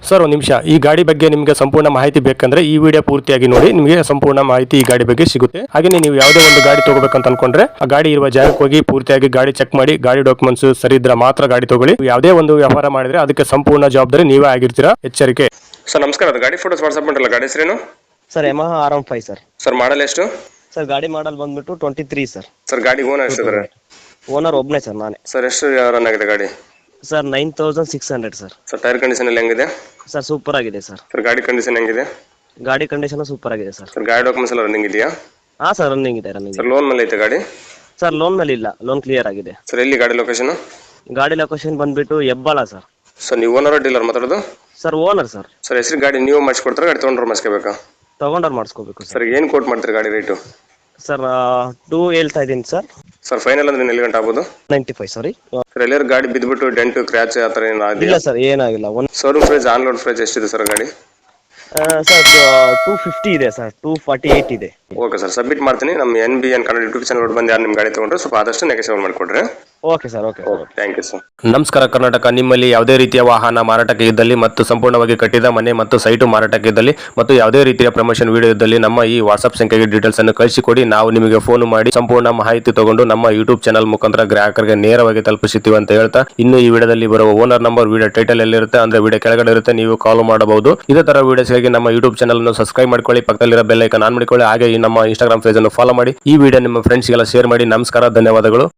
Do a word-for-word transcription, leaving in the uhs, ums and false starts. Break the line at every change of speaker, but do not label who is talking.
Sir ಒಂದು ನಿಮಿಷ, ಈ ಗಾಡಿ ಬಗ್ಗೆ ನಿಮಗೆ ಸಂಪೂರ್ಣ ಮಾಹಿತಿ ಬೇಕಂದ್ರೆ ಈ ವಿಡಿಯೋ ಪೂರ್ತಿಯಾಗಿ ನೋಡಿ, ನಿಮಗೆ ಸಂಪೂರ್ಣ ಮಾಹಿತಿ ಈ ಗಾಡಿ ಬಗ್ಗೆ ಸಿಗುತ್ತೆ. ಹಾಗೆ ನೀವು ಯಾವುದೇ ಒಂದು ಗಾಡಿ ತಗೋಬೇಕಂತ ಅನ್ಕೊಂಡ್ರೆ ಆ ಗಾಡಿ ಇರುವ ಜಾಗಕ್ಕೆ ಹೋಗಿ ಪೂರ್ತಿಯಾಗಿ ಗಾಡಿ ಚೆಕ್ ಮಾಡಿ, ಗಾಡಿ ಡಾಕ್ಯುಮೆಂಟ್ಸ್ ಸರಿ ಇದ್ರೆ ಮಾತ್ರ ಗಾಡಿ ತಗೊಳ್ಳಿ. ಯಾವುದೇ ಒಂದು ವ್ಯವಹಾರ ಮಾಡಿದ್ರೆ ಅದಕ್ಕೆ ಸಂಪೂರ್ಣ ಜವಾಬ್ದಾರಿ ನೀವೇ ಆಗಿರ್ತೀರಾ, ಎಚ್ಚರಿಕೆ. ಸರ್ ನಮಸ್ಕಾರ, ಅದು ಗಾಡಿ ಫೋಟೋಸ್ ವಾಟ್ಸ್ಆಪ್ ಮಾಡಲ್ಲ, ಗಾಡಿ ಹೆಸರೇನು?
Sir Yamaha R one five sir.
Sir model ಎಷ್ಟು?
ಸರ್ ಗಾಡಿ ಮಾಡಲ್ ಬಂದ್ಬಿಟ್ಟು ಟ್ವೆಂಟಿ ತ್ರೀ ಸರ್.
ಸರ್ ಗಾಡಿ ಓನರ್ ಎಷ್ಟು?
ಓನರ್ ಒಬ್ಬನೇ ಸರ್, ನಾನೇ.
ಸರ್ ಎಷ್ಟು ರನ್ ಆಗಿದೆ ಗಾಡಿ?
Sir nine thousand six hundred sir.
Sir tyre condition ಎಲ್ಲ ಹೆಂಗಿದೆ?
ಸರ್ ಸೂಪರ್ ಆಗಿದೆ ಸರ್.
ಸರ್ ಗಾಡಿ ಕಂಡೀಷನ್ ಹೆಂಗಿದೆ?
ಗಾಡಿ ಕಂಡೀಷನ್ ಸೂಪರ್ ಆಗಿದೆ ಸರ್.
ಸರ್ ಗಾಡಿ ಡಾಕ್ಯುಮೆಂಟ್ಸ್ ಎಲ್ಲ ರನ್ನಿಂಗ್ ಇದೆಯಾ?
ಹಾ ಸರ್, ರನ್ನಿಂಗ್ ಇದೆ ರನ್ನಿಂಗ್.
ಸರ್ ಲೋನ್ ಮೇಲೆ ಐತೆ ಗಾಡಿ?
ಸರ್ ಲೋನ್ ಮೇಲೆ ಇಲ್ಲ, ಲೋನ್ ಕ್ಲಿಯರ್ ಆಗಿದೆ.
ಸರ್ ಎಲ್ಲಿ ಗಾಡಿ ಲೊಕೇಶನ್?
ಗಾಡಿ ಲೊಕೇಶನ್ ಬಂದ್ಬಿಟ್ಟು ಹೆಬ್ಬಾಳ ಸರ್.
ಸರ್ ನೀವು ಓನರ್ ಡೀಲರ್ ಮಾತಾಡೋದು?
Sir owner sir.
ಸರ್ ಹೆಸರು ಗಾಡಿ ನೀವು ಮಾಡಿಸ್ಕೊಡ್ತಾರೆ, ಗಾಡಿ ತೊಗೊಂಡ್ರೆ ಮಾಡಿಸ್ಕೋಬೇಕಾ?
ತಗೊಂಡವ್ರು ಮಾಡಿಸ್ಕೋಬೇಕು ಸರ್.
ಸರ್ ಏನು ಕೋಟ್ ಮಾಡ್ತೀರಿ ಗಾಡಿ ರೇಟು?
ಸರ್ ಟೂ ಹೇಳ್ತಾ ಇದ್ದೀನಿ ಸರ್.
ಸರ್ ಫೈನಲ್ ಅಂದ್ರೆ ಎಲ್ಲಿ ಗಂಟೆ ಆಗ್ಬೋದು?
Ninety five sorry.
ಸರ್ ಎಲ್ಲರೂ ಗಾಡಿ ಬಿದ್ದುಬಿಟ್ಟು ಡೆಂಟು ಕ್ರ್ಯಾಚ್ ಆ ಥರ ಏನು
ಇಲ್ಲ
ಆಗಿಲ್ಲ?
ಸರ್, ಏನಾಗಿಲ್ಲ. One
showroom price on road price ಎಷ್ಟಿದೆ ಸರ್ ಗಾಡಿ?
ಸರ್ ಟೂ ಫಿಫ್ಟಿ ಇದೆ ಸರ್, ಟೂ ಫಾರ್ಟಿ ಏಯ್ಟ್ ಇದೆ.
ಓಕೆ ಸರ್, ಸಬ್ಮಿಟ್ ಮಾಡ್ತೀನಿ. ನಮ್ಮ N B N Kannada YouTube channel ಬಂದು ಯಾರು ನಿಮ್ಮ ಗಾಡಿ ತೊಗೊಂಡ್ರೆ ಸ್ವಲ್ಪ ಆದಷ್ಟು ನೆಗೆಸಿಬಲ್ ಮಾಡಿಕೊಡ್ರಿ.
Okay sir, okay sir.
Thank you sir. ನಮಸ್ಕಾರ ಕರ್ನಾಟಕ. ನಿಮ್ಮಲ್ಲಿ ಯಾವುದೇ ರೀತಿಯ ವಾಹನ ಮಾರಾಟಕ್ಕೆ ಇದ್ದಲ್ಲಿ ಮತ್ತು ಸಂಪೂರ್ಣವಾಗಿ ಕಟ್ಟಿದ ಮನೆ ಮತ್ತು ಸೈಟು ಮಾರಾಟಕ್ಕೆ ಇದ್ದಲ್ಲಿ ಮತ್ತು ಯಾವುದೇ ರೀತಿಯ ಪ್ರಮೋಷನ್ ವಿಡಿಯೋ ಇದ್ದಲ್ಲಿ ನಮ್ಮ ಈ ವಾಟ್ಸ್ಆಪ್ ಸಂಖ್ಯೆಗೆ ಡೀಟೇಲ್ಸ್ ಅನ್ನು ಕಳಿಸಿಕೊಡಿ. ನಾವು ನಿಮಗೆ ಫೋನ್ ಮಾಡಿ ಸಂಪೂರ್ಣ ಮಾಹಿತಿ ತಗೊಂಡು ನಮ್ಮ ಯೂಟ್ಯೂಬ್ ಚಾನಲ್ ಮುಖಾಂತರ ಗ್ರಾಹಕರಿಗೆ ನೇರವಾಗಿ ತಲುಪಿಸುತ್ತೀವಿ ಅಂತ ಹೇಳ್ತಾ, ಇನ್ನು ಈ ವಿಡಿಯೋದಲ್ಲಿ ಬರುವ ಓನರ್ ನಂಬರ್ ವಿಡಿಯೋ ಟೈಟಲ್ ಎಲ್ಲಿರುತ್ತೆ ಅಂದ್ರೆ ವಿಡಿಯೋ ಕೆಳಗಡೆ ಇರುತ್ತೆ, ನೀವು ಕಾಲ್ ಮಾಡಬಹುದು. ಇದೇ ತರ ವಿಡಿಯೋಸ್ಗಾಗಿ ನಮ್ಮ ಯೂಟ್ಯೂಬ್ ಚಾನಲ್ ಅನ್ನು ಸಬ್ಸ್ಕ್ರೈಬ್ ಮಾಡ್ಕೊಳ್ಳಿ, ಪಕ್ಕದಲ್ಲಿರೋ ಬೆಲ್ ಐಕಾನ್ ಆನ್ ಮಾಡಿಕೊಳ್ಳಿ. ಹಾಗೆ ಈ ನಮ್ಮ ಇನ್ಸ್ಟಾಗ್ರಾಮ್ ಪೇಜ್ ಅನ್ನು ಫಾಲೋ ಮಾಡಿ. ಈ ವಿಡಿಯೋ ನಿಮ್ಮ ಫ್ರೆಂಡ್ಸ್ಗೆಲ್ಲ ಶೇರ್ ಮಾಡಿ. ನಮಸ್ಕಾರ, ಧನ್ಯವಾದಗಳು.